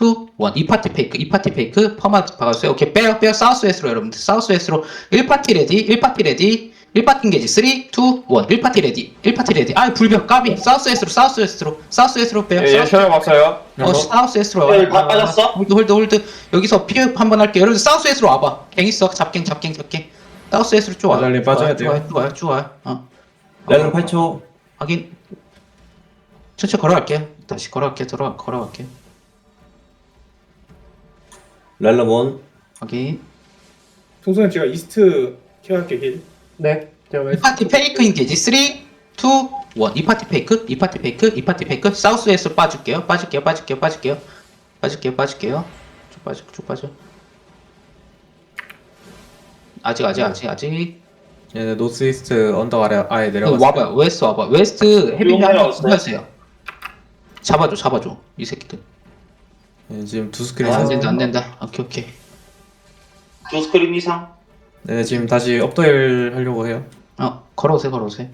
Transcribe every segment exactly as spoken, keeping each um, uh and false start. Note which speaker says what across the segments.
Speaker 1: 투, 원. 이 파티 페이크, 이 파티 페이크, 퍼마 박았어요. 오케이, 빼요, 빼요. 사우스 웨스트로 여러분들. 사우스 웨스트로 일 파티 레디, 일 파티 레디, 일 파티 인게지. 삼, 이, 일. 일 파티 레디, 일 파티 레디. 아, 불벽, 까비. 사우스 웨스트로, 사우스 웨스트로, 사우스 웨스트로 빼요.
Speaker 2: 예, 예, 셔요 왔어요.
Speaker 1: 어, 사우스 웨스트로
Speaker 3: 예, 다 빠졌어?
Speaker 1: 홀드, 홀드, 홀드. 여기서 피업 한번 할게요. 여러분, 사우스 웨스트로 와봐. 갱 있어. 잡갱, 잡갱, 잡갱. 사우스 웨스트로 쭉 와요.
Speaker 4: 아달리 빠져야
Speaker 1: 쭉 와요,
Speaker 4: 돼요.
Speaker 1: 쭉 와요, 쭉 와요. 어.
Speaker 4: 렐름 팔 초.
Speaker 1: 확인. 천천히 걸어갈게요. 다시 걸어갈게요. 들어 걸어갈게요.
Speaker 4: 렐름 원.
Speaker 1: 확인.
Speaker 5: 동선은 제가 이스트 케어할게 힐.
Speaker 6: 네. 제가
Speaker 1: 이
Speaker 6: 왼
Speaker 1: 파티 페이크인 게지. 삼, 이, 일. 이 파티 페이크, 이 파티 페이크, 이 파티 페이크. 사우스에서 빠질게요. 빠질게요. 빠질게요. 빠질게요. 빠질게요. 빠질게요. 쭉 빠져. 쭉 빠져. 아직 아직 아직 아직.
Speaker 4: 얘네 노스 이스트 언덕 아래 아예
Speaker 1: 그
Speaker 4: 내려갔어요.
Speaker 1: 와봐요. 웨스트 와봐. 웨스트 헤비 한번
Speaker 3: 내려왔어요.
Speaker 1: 하세요. 잡아줘. 잡아줘. 이 새끼들.
Speaker 4: 예, 지금 두 스크린
Speaker 1: 아, 안
Speaker 4: 사.
Speaker 1: 된다. 안 된다. 오케이 오케이.
Speaker 3: 두 스크린 이상.
Speaker 4: 네, 지금 다시 업더일 하려고 해요.
Speaker 1: 어, 걸어오세요. 걸어오세요.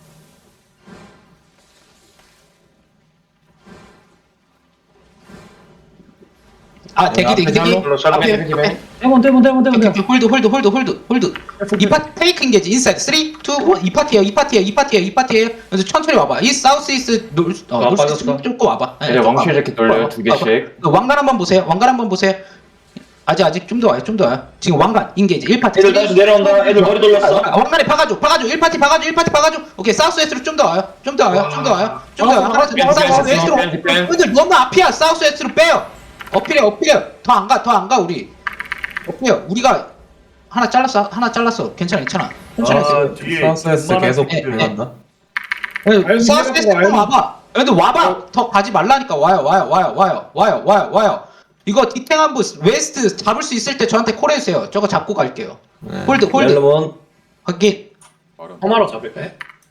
Speaker 1: 아, 대기, 대기, 대기.
Speaker 2: 샬롯, 샬롯.
Speaker 1: 앞에,
Speaker 6: 대기,
Speaker 1: 앞에.
Speaker 6: 대본 대본 대본 대본
Speaker 1: 오케이,
Speaker 6: 대본.
Speaker 1: 오케이. 홀드, 홀드, 홀드, 홀드, 홀드. 이 파티 페이크 인게지. 인사이드. 삼, 이, 일. 이 파티에요. 이 파티에요. 이 파티에요. 이 파티에요. 그래서 천천히 와봐. 이 사우스 이스 놀, 어,
Speaker 2: 아,
Speaker 1: 놀스
Speaker 2: 빠졌어.
Speaker 1: 좀, 좀 와봐. 네,
Speaker 2: 이제
Speaker 1: 좀
Speaker 2: 왕실
Speaker 1: 와봐.
Speaker 2: 이렇게 돌려요.
Speaker 1: 와봐.
Speaker 2: 두 개씩.
Speaker 1: 와봐. 왕관 한번 보세요. 왕관 한번 보세요. 아직, 아직 좀 더 와요. 좀 더 와요. 지금 왕관 인게지. 일 파티.
Speaker 3: 애들 다시 내려온다. 애들 머리 돌렸어.
Speaker 1: 아, 왕관에 박아줘, 박아줘, 일 파티 박아줘, 일 파티 박아줘. 오케이, 사우스 웨스트로 좀 더 와요, 좀 더 와요, 좀 더 와요, 좀 더 와요. 하나, 둘, 셋, 사우스 웨스트로.
Speaker 2: 뺀, 뺀.
Speaker 1: 근데 너무 앞이야, 사우스 웨스트로 빼요. 어필해, 어필해. 더 안 가, 더 안 가, 우리. 어필해. 우리가 하나 잘랐어, 하나 잘랐어. 괜찮아, 괜찮아. 괜찮아.
Speaker 4: 아, 사우스에서 계속
Speaker 1: 네,
Speaker 4: 들어간다.
Speaker 1: 괜찮아. 사우스 웨스트로
Speaker 5: 와요.
Speaker 1: 와봐. 근데 와봐. 더 가지 말라니까. 와요, 와요, 와요, 와요, 와요, 와요, 와요. 이거 디탱한부 웨스트 잡을 수 있을 때 저한테 콜해주세요. 저거 잡고 갈게요.
Speaker 4: 네.
Speaker 1: 홀드, 홀드.
Speaker 4: 렐름 원.
Speaker 1: 확인.
Speaker 6: 허마로 잡을까요?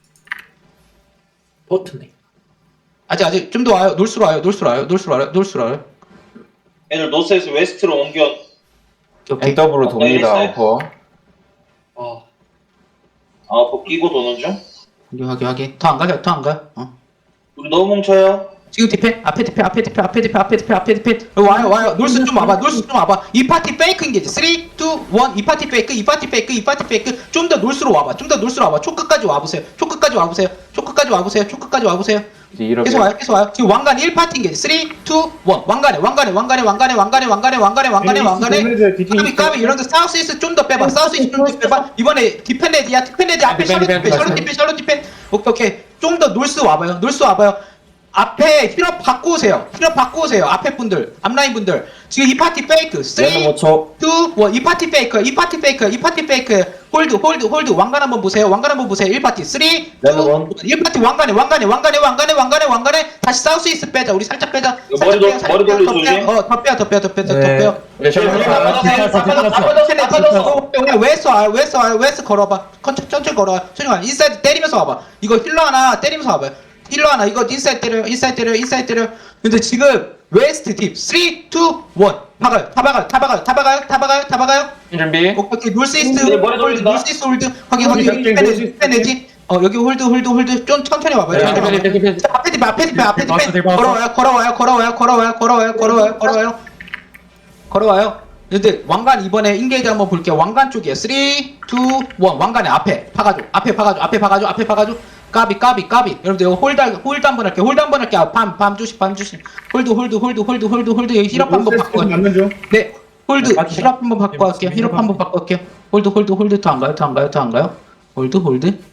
Speaker 6: 버튼네.
Speaker 1: 아직 아직 좀 더 와요. 놀수로 와요. 놀수로 와요. 놀수로 와요. 놀수로 와요.
Speaker 3: 애들 노스에서 웨스트로 옮겨.
Speaker 1: 오케이.
Speaker 2: 엔더블로 돕니다.
Speaker 3: 내렸어요?
Speaker 2: 어퍼.
Speaker 6: 아.
Speaker 3: 아, 그 끼고 도는 중.
Speaker 1: 확인 확인 확인. 더 안 가요. 더 안 가요. 어.
Speaker 3: 우리 너무 뭉쳐요.
Speaker 1: 지금 디펜 앞에 디펜 앞에 디펜 앞에 디펜 앞에 디펜 앞에 디펜 와요 와요. 놀수 좀 와봐. 놀수 좀 와봐. 이 파티 페이크인 게지. 삼, 이, 일. 이 파티 페이크. 이 파티 페이크. 이 파티 페이크. 좀 더 놀수로 와봐. 좀 더 놀수로 와봐. 초 끝까지 와보세요. 초 끝까지 와보세요. 초 끝까지 와보세요. 초 끝까지 와보세요.
Speaker 2: 이제 이렇게.
Speaker 1: 계속 와요. 계속 와요. 지금 왕관 일 파티인 게지. 삼, 이, 일. 왕관에 왕관에 왕관에 왕관에 왕관에 왕관에 왕관에 왕관에 왕관에 까비 까비 이런 데 사우스 이스 좀 더 빼봐. 사우스 이스 좀 더 빼봐. 이번에 디펜레디야. 디펜레디 앞에
Speaker 2: 디펜,
Speaker 1: 샬롯
Speaker 2: 디펜,
Speaker 1: 디펜 샬롯
Speaker 2: 디펜.
Speaker 1: 디펜 샬롯 디펜. 오케이 오케이. 좀 더 놀스 와봐요. 놀스 와봐요. 앞에 힐업 바꿔 오세요. 힐업 바꿔 오세요. 앞에 분들, 앞라인 분들. 지금 이 파티 페이크. 삼,
Speaker 4: 렐름
Speaker 1: 이,
Speaker 4: 오 초.
Speaker 1: 일. 이 파티 페이크. 이 파티 페이크. 이 파티 페이크. 홀드 홀드 홀드. 왕관 한번 보세요. 왕관 한번 보세요. 일 파티. 삼, 이, 일.
Speaker 4: 렐름
Speaker 1: 일 파티 왕관에 왕관에 왕관에 왕관에 왕관에 왕관에 다시 사우스 이스 빼자. 우리 살짝 빼자.
Speaker 3: 이거
Speaker 1: 살짝
Speaker 3: 머리 돌-
Speaker 1: 빼요, 살짝
Speaker 3: 머리
Speaker 1: 빼요.
Speaker 3: 돌리지,
Speaker 1: 더 빼요.
Speaker 3: 조심.
Speaker 1: 어, 더 빼요. 더 빼요. 더 빼요. 더
Speaker 4: 네.
Speaker 1: 빼요.
Speaker 2: 이제 샬롯.
Speaker 3: 다 빠졌어요. 다 빠졌어. 다 빠졌어. 다 빠졌어.
Speaker 1: 그냥 웨스 와요. 웨스 와요. 웨스 걸어봐. 천천히 천천히 걸어와. 천천히 와. 인사이드 때리면서 와봐. 이거 힐러 하나 때리면서 와봐요. 힐러 하나 이거 인사이드 때려요. 인사이드 때려요. 인사이드 때려요. 근데 지금 웨스트 딥 삼, 이, 일. 박아요. 다 박아요. 다 박아요. 다 박아요. 다 박아요. 다 박아요.
Speaker 2: 준비.
Speaker 1: 오케이, 오케이. 놀스 이스트
Speaker 3: 네, 머리
Speaker 1: 홀드.
Speaker 3: 돌린다.
Speaker 1: 놀스 이스트 홀드. 확인 확인.
Speaker 5: 놀스 이스트, 놀스 이스트.
Speaker 1: 빼내지. 어 여기 홀드 홀드 홀드. 좀 천천히 와봐요.
Speaker 2: 네,
Speaker 1: 천천히
Speaker 2: 디펜, 디펜,
Speaker 1: 와봐요.
Speaker 2: 디펜.
Speaker 1: 앞에 뒷 앞에 뒷 앞에
Speaker 4: 봤어,
Speaker 1: 뒷
Speaker 4: 봤어.
Speaker 1: 걸어와요. 걸어와요. 걸어와요. 걸어와요. 걸어와요. 걸어와요. 걸어와요. 걸어와요. 근데 왕관 이번에 인게이지 한번 볼게요. 왕관 쪽이에요. 삼, 이, 일. 왕관의 앞에 파가줘. 앞에 파가줘. 앞에 파가줘. 앞에 파가줘. 까비 까비 까비. 여러분들 이거 홀드 홀드 한번 할게요. 홀드 한번 할게요. 밤밤 주시 밤 주시. 홀드 홀드 홀드 홀드 홀드 홀드. 여기 힐업 한번 바꿔.
Speaker 5: 맞는 중.
Speaker 1: 네. 홀드
Speaker 4: 네, 맞죠.
Speaker 1: 힐업 한번 바꿔 갈게요. 힐업 한번 바꿔 갈게요. 홀드 홀드 홀드 더 안 가요. 더 안 가요. 더 안 가요. 홀드 홀드.
Speaker 4: 얘네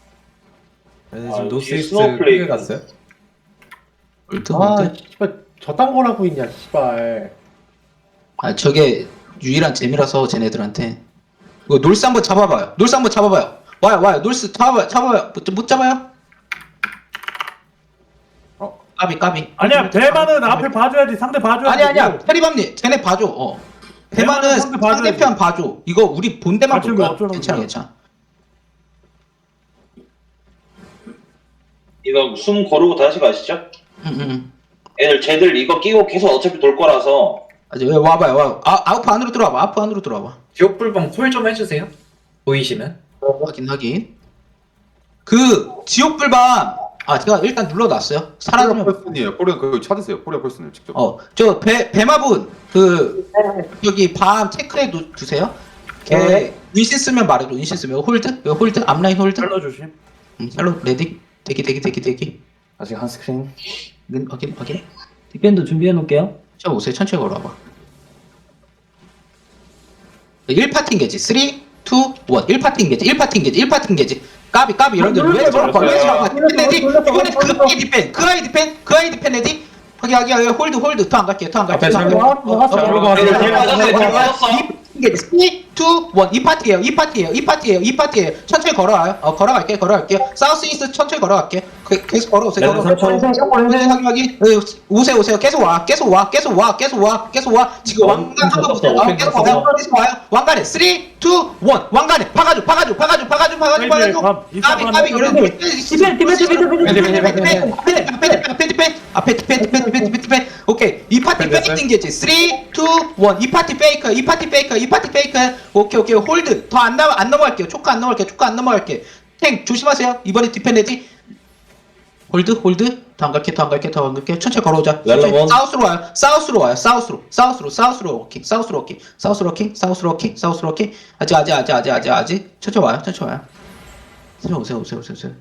Speaker 3: 아,
Speaker 4: 지금 노스
Speaker 3: 뒤에
Speaker 4: 이스트
Speaker 3: 스노우플레이크.
Speaker 4: 크게 갔어요.
Speaker 1: 홀드
Speaker 6: 아,
Speaker 1: 홀드.
Speaker 6: 씨발 저딴 걸 하고 있냐, 씨발.
Speaker 1: 아 저게 유일한 재미라서 쟤네들한테. 이거 놀스 한번 잡아봐요. 놀스 한번 잡아봐요. 와요 와요. 놀스 잡아봐요. 잡아봐요. 못, 못 잡아요? 어 까비 까비.
Speaker 7: 아니야 대만은 앞에 봐줘야지 상대 봐줘야지.
Speaker 1: 아니 아니야. 테리밤님 쟤네 봐줘. 어. 대만은
Speaker 7: 대만은 상대 봐줘야지.
Speaker 1: 상대편 봐줘. 이거 우리 본대만
Speaker 7: 같이
Speaker 1: 볼 거야.
Speaker 7: 어쩌라고
Speaker 1: 괜찮아
Speaker 7: 그래.
Speaker 1: 괜찮아.
Speaker 3: 이거 숨 고르고 다시 가시죠.
Speaker 1: 응응.
Speaker 3: 애들 쟤들 이거 끼고 계속 어차피 돌 거라서.
Speaker 1: 아직 왜 와봐요. 와. 아 아웃 안으로 들어와봐. 아웃 안으로 들어와봐.
Speaker 8: 지옥불방 콜 좀 해주세요. 보이시면.
Speaker 1: 확인 확인. 그 지옥불밤 아 제가 일단 눌러놨어요.
Speaker 2: 포리아
Speaker 1: 사라지면
Speaker 2: 펄슨이에요. 포리아 그거 찾으세요. 포리아 펄슨을 직접.
Speaker 1: 어저 배 배마분 그 여기 밤 체크해 두, 두세요. 걔
Speaker 6: 네.
Speaker 1: 윈신 쓰면 말해줘. 윈신 쓰면 홀드 이거 홀드 앞라인 홀드.
Speaker 7: 샬로 조심.
Speaker 1: 음, 샬롯 레디 대기 대기 대기 대기.
Speaker 9: 아직 한 스크린.
Speaker 1: 는 확인 확인.
Speaker 6: 디펜드 준비해 놓을게요.
Speaker 1: 자 오세요. 천천히 걸어와봐. 일 파팅 게지. 삼, 이, 일. 일 파팅 게지. 일 파팅 게지. 일 파팅 게지. 까비 까비 여러분들 왜 저러고 왜 저러고 디펜레디 이번에 그 아이 디펜 그 아이 디펜 그 아이 디펜 레디 확인 확인 확인 홀드 홀드 더 안 갈게요 더 안 갈게요
Speaker 4: 앞에
Speaker 1: 더 안
Speaker 4: 샬롯.
Speaker 1: 갈게요. 어, 어,
Speaker 4: 샬롯
Speaker 1: 어,
Speaker 4: 왔어요.
Speaker 1: 어,
Speaker 3: 샬롯 왔어요.
Speaker 1: 어,
Speaker 3: 샬롯
Speaker 1: 어,
Speaker 3: 왔어.
Speaker 1: 이 파팅 삼, 이, 일 이 파티예요 이 파티예요 이 파티예요 천천히 걸어와요 어 걸어갈게요 걸어갈게요 사우스 이스트 천천히 걸어갈게요 그, 계속 걸어오세요
Speaker 4: 레드
Speaker 1: 걸어오세요 확인 확인 확인 어, 오세요 오세요 계속 와 계속 와 계속 와 계속 와 계속 와 지금 왕관 한번 보세요 아, 계속 와요 계속 와요 왕관에 삼, 이, 일 왕관에 박아줘 박아줘 박아줘 박아줘 박아줘 박아줘 까비 까비 여러분들
Speaker 6: 디펜 디펜 디펜 디펜
Speaker 1: 앞에 앞에 앞에 디펜 앞에 디펜 디펜 디펜 디펜 디펜 오케이 이 파티 페이크인 게지 삼, 이, 일 이 파티 페이크 이 파티 페이크 이 파티 페이크 오케이 오케이 홀드 더 안 넘어 안 넘어갈게요 초크 안 넘어갈게요 초크 안 넘어갈게요 탱 조심하세요 이번에 디펜 레디 홀드 홀드 더 안 갈게 더 안 갈게 더 안 갈게 천천히 걸어오자 천천히.
Speaker 4: 렐로몬.
Speaker 1: 사우스로 와요 사우스로 와요 사우스로 사우스로 사우스로 워킹 사우스로 워킹 사우스로 워킹 사우스로 워킹 사우스로 워킹 아직 아직 아직 아직 아직 아직 천천히 와요 천천히 와요 천천히 오세요 오세요 오세요 오세요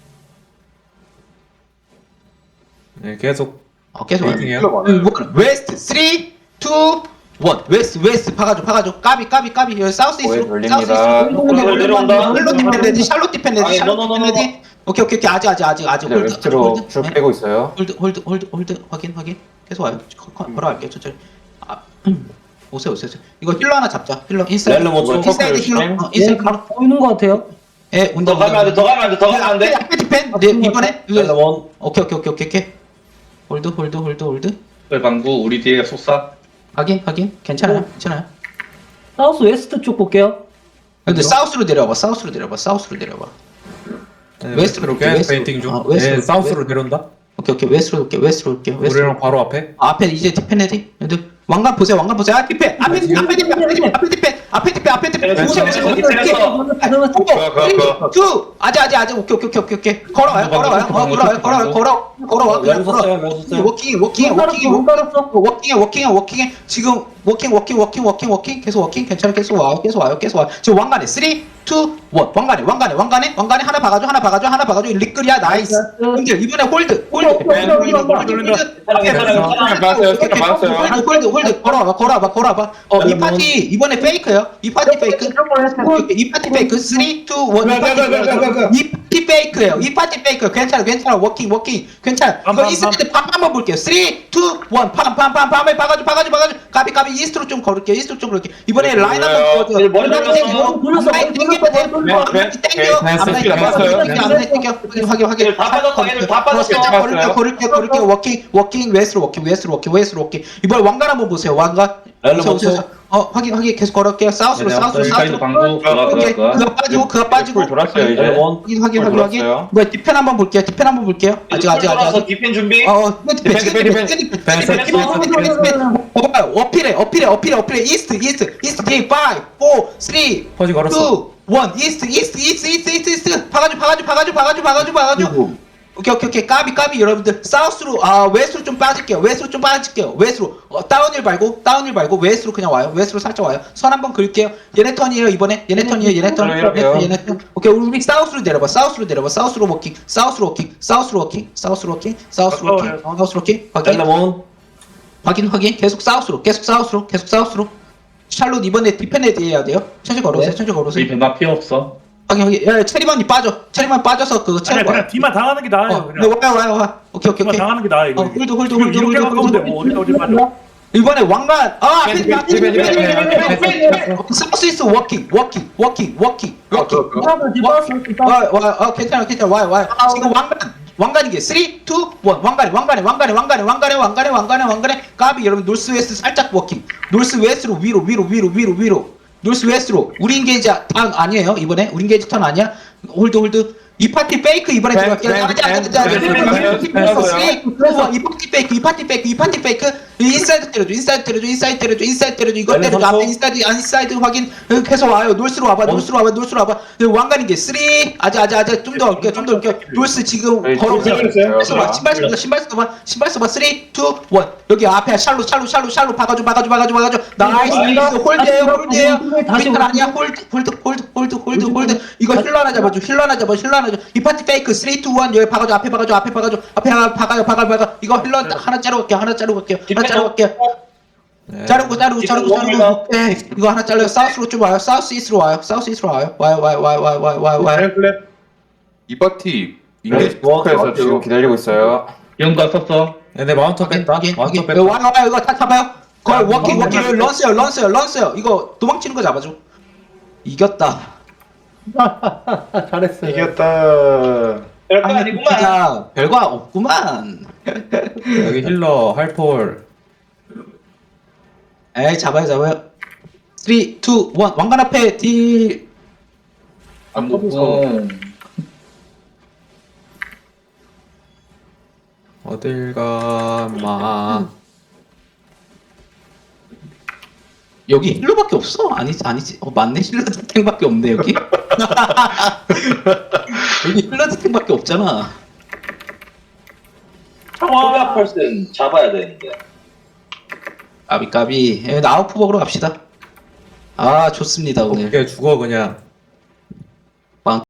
Speaker 4: 네, 계속
Speaker 1: 어 계속 와요
Speaker 4: 웨이팅해요.
Speaker 1: 음, 웨스트 삼, 이, 일 웨스트 웨스트 박아줘 박아줘 까비 까비 까비 여기 사우스
Speaker 9: 오해
Speaker 1: 이스로
Speaker 9: 돌립니다.
Speaker 1: 사우스 이스로
Speaker 3: 내려온다.
Speaker 1: 샬롯 디펜 레디 샬롯 디펜 레디
Speaker 3: 아니,
Speaker 1: 샬롯
Speaker 3: 노, 노,
Speaker 1: 디펜
Speaker 3: 노,
Speaker 1: 레디 오케이 오케이 오케이 아직 아직 아직 아직
Speaker 9: 이제
Speaker 1: 홀드
Speaker 9: 웨스트로
Speaker 1: 홀드
Speaker 9: 쭉
Speaker 1: 네.
Speaker 9: 빼고 있어요.
Speaker 1: 홀드 홀드 홀드 홀드 확인 확인 계속 와요 거- 거- 걸어갈게요 천천히 아 음. 오세요 오세요 오세요 이거 힐러 하나 잡자 힐러 인사이드
Speaker 4: 렐로 뭐
Speaker 1: 인사이드 힐러 어, 인사이드 힐러
Speaker 6: 보이는 것 같아요.
Speaker 1: 예 온다
Speaker 3: 더 가면 안 돼, 더 가면 안 돼, 더 가면 안 돼.
Speaker 1: 앞에 디펜 네 이번에 이거-
Speaker 4: 렐로몬.
Speaker 1: 오케이 오케이 오케이 오케이 오케이 홀드 홀드 홀드 홀드
Speaker 10: 방구 우리 뒤에 솟아.
Speaker 1: 확인 확인 괜찮아요 괜찮아요
Speaker 6: 사우스 웨스트 쪽 볼게요.
Speaker 1: 근데 사우스로 내려봐 사우스로 내려봐 사우스로 내려봐
Speaker 4: 네,
Speaker 1: 웨스트로 올게,
Speaker 4: 계속
Speaker 1: 웨스트로.
Speaker 4: 페인팅 중.
Speaker 1: 아, 웨스트로.
Speaker 4: 네, 사우스로 내려온다.
Speaker 1: 오케이 오케이 웨스트로 올게 웨스트로 올게 웨스트로
Speaker 4: 우리랑 바로 앞에.
Speaker 1: 아, 앞에 이제 디펜 레디 근데 왕관 보세요 왕관 보세요 아 디펜 앞에 디펜 앞에 디펜 앞에 디펜 앞에 디펜 앞에 디펜 앞에 디펜
Speaker 3: 네,
Speaker 1: 오세요
Speaker 3: 네,
Speaker 1: 오세요
Speaker 3: 네,
Speaker 1: 오케이
Speaker 3: 네,
Speaker 1: 오케이
Speaker 2: 가, 가,
Speaker 1: 투 아직 아직 아직 오케이 오케이 오케이 오케이 걸어와요 걸어와요 어 걸어와요 걸어와요 걸어 걸어와 그냥 걸어 워킹 워킹 워킹
Speaker 6: 못 깔았어.
Speaker 1: 워킹해 워킹해 워킹해 지금 워킹 워킹 워킹 워킹 워킹 계속 워킹 괜찮아 계속 와요 계속 와요 계속 와요 지금 왕관에 삼, 이, 일 왕관에 왕관에 왕관에 왕관에 하나 박아줘 하나 박아줘 하나 박아줘 리끌이야 나이스 형들 이번에 홀드 홀드 홀드 홀드 홀드 홀드 홀드 홀드 걸어와봐 걸어와봐 걸어와봐 어이 파티 이번에 페이크요 이 파티 페이크 이 파티 페이크 삼, 이, 일 이 파티 페이크예요 이 파티 페이크 괜찮아 괜찮아 워킹 워킹 괜찮아 이거 이스트 팜 한번 볼게요 삼, 이, 일 팜팜팜팜 팜에 박아줘 박아줘 박아줘 까비 까비 이스트로 좀 걸을게요 이스트로 좀 걸을게요 이번에 라인 한번 보여줘
Speaker 3: 머리 돌렸어.
Speaker 6: 돌렸어.
Speaker 1: 라인 땡기면 돼 앞라인 땡겨 앞라인 땡겨 앞라인 땡겨 확인 확인 확인
Speaker 3: 얘들 다 빠졌어, 얘들 다 빠졌어.
Speaker 1: 살짝 걸을게요 걸을게요 걸을게요 워킹 워킹 웨스트로 워킹 웨스트로 워킹 웨스트로 워킹 이번에 왕관 한번 보세요 왕관 오세요, 오세요, 오세요. 어 확인 확인 계속 걸을게요 사우스로 사우스로 사우스로
Speaker 10: 방구.
Speaker 1: 오케이 그거 빠지고 그거 빠지고
Speaker 9: 돌았어요 이제.
Speaker 1: 확인 확인 확인 확인 뭐야 디펜 한번 볼게요 디펜 한번 볼게요 아직 아직 아직 아직
Speaker 3: 디펜 준비.
Speaker 1: 어 디펜 디펜 디펜 디펜 디펜 디펜 어필해 어필해 어필해 어필해 이스트 이스트 이스트 게임 오, 사, 삼, 이,
Speaker 4: 퍼지 걸었어.
Speaker 1: 일 이스트 이스트 이스트 이스트 이스트 이스트 박아줘 박아줘 박아줘 박아줘 박아줘 박아줘 오케이 오케이 오케이 까비 까비 여러분들 사우스로 아 웨스트로 좀 빠질게요 웨스트로 좀 빠질게요 웨스트로 어, 다운힐 말고 다운힐 말고 웨스트로 그냥 와요 웨스트로 살짝 와요 선 한번 그을게요 얘네 턴이에요 이번에 얘네 턴이에요 얘네 턴 얘네 턴 얘네 턴 오케이 우리 사우스로 내려봐 사우스로 내려봐 사우스로 워킹 사우스로 워킹 사우스로 워킹 사우스로 워킹 사우스로 워킹 사우스로 워킹 확인
Speaker 4: 렐로몬.
Speaker 1: 확인 확인 계속 사우스로 계속 사우스로 계속 사우스로 샬롯 이번에 디펜레드 해야 돼요 천천히 걸어오세요 천천히
Speaker 10: 우리
Speaker 1: 걸어오세요
Speaker 10: 배마 필요 없어.
Speaker 1: 확인 확인 야 체리만이 빠져 체리만 빠져서 그거
Speaker 7: 아니
Speaker 1: 채고
Speaker 7: 그냥
Speaker 1: 와요
Speaker 7: 뒤만 당하는 게 나아요.
Speaker 1: 어, 네,
Speaker 7: 그냥
Speaker 1: 와요 와요 와요 오케이 오케이
Speaker 7: 뒤만
Speaker 1: 오케이
Speaker 7: 당하는 게 나아 이거.
Speaker 1: 어 홀드 홀드
Speaker 7: 지금
Speaker 1: 홀드
Speaker 7: 이렇게
Speaker 1: 홀드
Speaker 7: 가까운데
Speaker 1: 홀드
Speaker 7: 뭐 어디 어디 빠져.
Speaker 1: 이번에 왕관 아 앞에
Speaker 4: 디펜, 디펜, 디펜, 디펜, 디펜.
Speaker 1: 사우스 이스트 워킹 워킹 워킹 워킹 워킹
Speaker 6: 하나 디펜스.
Speaker 1: 와와 괜찮아 괜찮아 와요 와요 지금 왕관 왕관이 게 삼, 이, 일 왕관에 왕관에 왕관에 왕관에 왕관에 왕관에 왕관에 왕관에 까비 여러분 노스 웨스트 살짝 워킹 노스 웨스트로 위로 위로 위로 위로 위로 노스 웨스트로 우리 인게이지 턴 아니에요 이번에 우리 인게이지 턴 아니야 홀드 홀드 이 파티 페이크 이번에
Speaker 4: 네,
Speaker 1: 들어갈게요.
Speaker 4: 네,
Speaker 1: 자, 자,
Speaker 4: 네,
Speaker 1: 자, 자,
Speaker 3: 네,
Speaker 1: 자,
Speaker 3: 네,
Speaker 1: 자,
Speaker 3: 네,
Speaker 1: 자,
Speaker 3: 네,
Speaker 1: 그래서
Speaker 3: 네,
Speaker 1: 쓰리, 투, 원, 이 파티 페이크, 이 파티 페이크, 이 파티 페이크. 인사이드 때려줘, 인사이드 때려줘, 인사이드 때려줘, 인사이드 때려줘. 이거
Speaker 4: 네,
Speaker 1: 때려줘.
Speaker 4: 선수.
Speaker 1: 앞에 인사이드, 인사이드 확인. 이렇게 해서 와요. 놀스로 와봐, 놀스로 와봐, 놀스로 와봐. 왕관인 게 쓰리. 아자, 아자, 아자. 좀 더 올게요, 좀 더 올게요. 놀스 지금
Speaker 2: 네,
Speaker 1: 걸어오세요.
Speaker 5: 네,
Speaker 1: 신발 써봐, 신발 써봐, 신발 써봐, 신발 써봐. 쓰리, 투, 원. 여기 앞에 샬로, 샬로, 샬로, 샬로. 박아줘, 박아줘, 박아줘, 박아줘. 나이스, 나이스. 홀드에요, 홀드에요.
Speaker 6: 다시
Speaker 1: 빅탈 아니야. 홀드, 홀드, 홀드, 홀드, 홀드, 홀드. 이거 힐러 하나 잡아줘, 힐러 하나 잡아줘, 힐러 하나 잡아줘. 이 파티 페이크 쓰리, 투, 원. 여기 박아줘, 앞에 박아줘, 앞에 박아줘, 앞에 하나 박아요, 박아요, 박아. 이거 힐러 하나 자르고 갈게요, 하나 자르고 갈게요, 하나 자르고 갈게요.
Speaker 4: 네.
Speaker 1: 자르고, 자르고, 자르고, 자르고. 오케이. 이거 하나 잘라요. 사우스로 좀 와요. 사우스 이스트로 와요. 사우스 이스트로 와요. 와요, 와요, 와요, 와요, 와요, 와요, 와요.
Speaker 5: 플랩 플랩.
Speaker 2: 이 파티 인게이지
Speaker 4: 뭐,
Speaker 2: 포커에서
Speaker 4: 뭐,
Speaker 2: 지금 기다리고 있어요.
Speaker 10: 연가 썼어.
Speaker 4: 얘네 마운터 뺐다.
Speaker 1: 확인,
Speaker 4: 마운터
Speaker 1: 확인.
Speaker 4: 뺐다.
Speaker 1: 와요, 와요. 이거 다 잡아요. 거의
Speaker 4: 아,
Speaker 1: 워킹,
Speaker 4: 뭐,
Speaker 1: 워킹.
Speaker 4: 뭐,
Speaker 1: 런스요, 런스요, 런스요. 런스요. 이거 도망치는 거 잡아줘. 이겼다.
Speaker 6: 잘했어요.
Speaker 5: 이겼다.
Speaker 3: 별거 아니구만.
Speaker 1: 진짜 별거 없구만.
Speaker 4: 여기 힐러 할폴.
Speaker 1: 에이, 잡아요, 잡아요. 쓰리, 이, 일. 왕관 앞에 딜.
Speaker 10: 안 먹고.
Speaker 4: 어딜 가마.
Speaker 1: 여기 힐러밖에 없어? 아니지, 아니지. 어, 맞네. 힐러 탱밖에 없네, 여기. 여기 힐러 탱밖에 없잖아.
Speaker 3: 코리아 펄슨 잡아야 되는데.
Speaker 1: 까비, 까비. 예, 나우프 먹으러 갑시다. 아, 좋습니다, 오늘.
Speaker 4: 어떻게 죽어 그냥.